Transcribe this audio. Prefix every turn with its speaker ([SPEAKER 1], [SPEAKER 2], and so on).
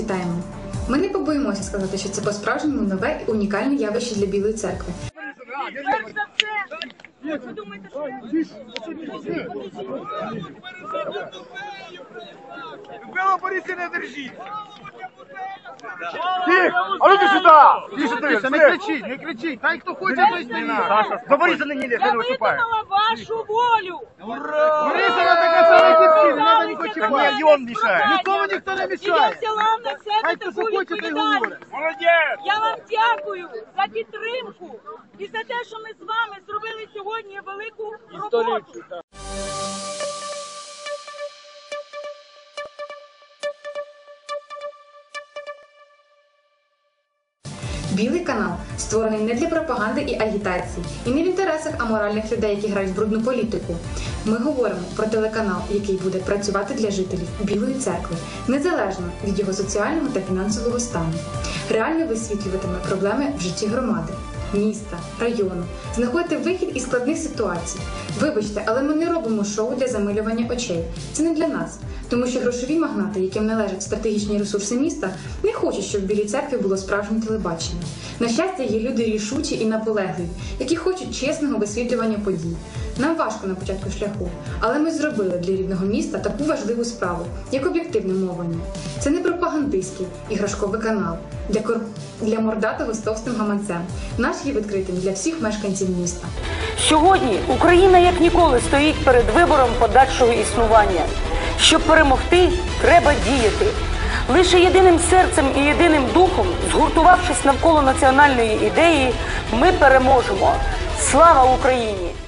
[SPEAKER 1] вітаємо. Ми не побоїмося сказати, що це по-справжньому нове і унікальне явище для Білої церкви.
[SPEAKER 2] Перш за все, ви думаєте, що
[SPEAKER 3] Любила Борисі, не держіть! А ну ти сюди!
[SPEAKER 4] Не кричіть, хай хто хоче, той стоїть.
[SPEAKER 3] До Бориса не лізь,
[SPEAKER 2] я
[SPEAKER 3] не виступає.
[SPEAKER 2] виконала вашу волю.
[SPEAKER 4] Борисова така сама дівчина, не треба нікого
[SPEAKER 3] Ні,
[SPEAKER 4] чіпати.
[SPEAKER 3] і он мішає.
[SPEAKER 4] Нікому ніхто не
[SPEAKER 2] І я
[SPEAKER 4] мішає.
[SPEAKER 2] взяла на себе
[SPEAKER 4] Хай хто
[SPEAKER 2] таку
[SPEAKER 4] хоче, той
[SPEAKER 2] відповідальність.
[SPEAKER 4] говорить.
[SPEAKER 3] Молодець!
[SPEAKER 2] Я вам дякую за підтримку і за те, що ми з вами зробили сьогодні велику роботу.
[SPEAKER 1] Білий канал створений не для пропаганди і агітації, і не в інтересах аморальних людей, які грають в брудну політику. Ми говоримо про телеканал, який буде працювати для жителів Білої церкви, незалежно від його соціального та фінансового стану. Реально висвітлюватиме проблеми в житті громади, міста, району, знаходити вихід із складних ситуацій. Вибачте, але ми не робимо шоу для замилювання очей. Це не для нас. Тому що грошові магнати, яким належать стратегічні ресурси міста, не хочуть, щоб в Білій церкві було справжнє телебачення. На щастя, є люди рішучі і наполегливі, які хочуть чесного висвітлювання подій. Нам важко на початку шляху, але ми зробили для рідного міста таку важливу справу, як об'єктивне мовлення. Це не пропагандистський іграшковий канал для мордатого з товстим гаманцем. Наш є відкритим для всіх мешканців міста.
[SPEAKER 5] Сьогодні Україна як ніколи стоїть перед вибором подальшого існування. Щоб перемогти, треба діяти. Лише єдиним серцем і єдиним духом, згуртувавшись навколо національної ідеї, ми переможемо. Слава Україні!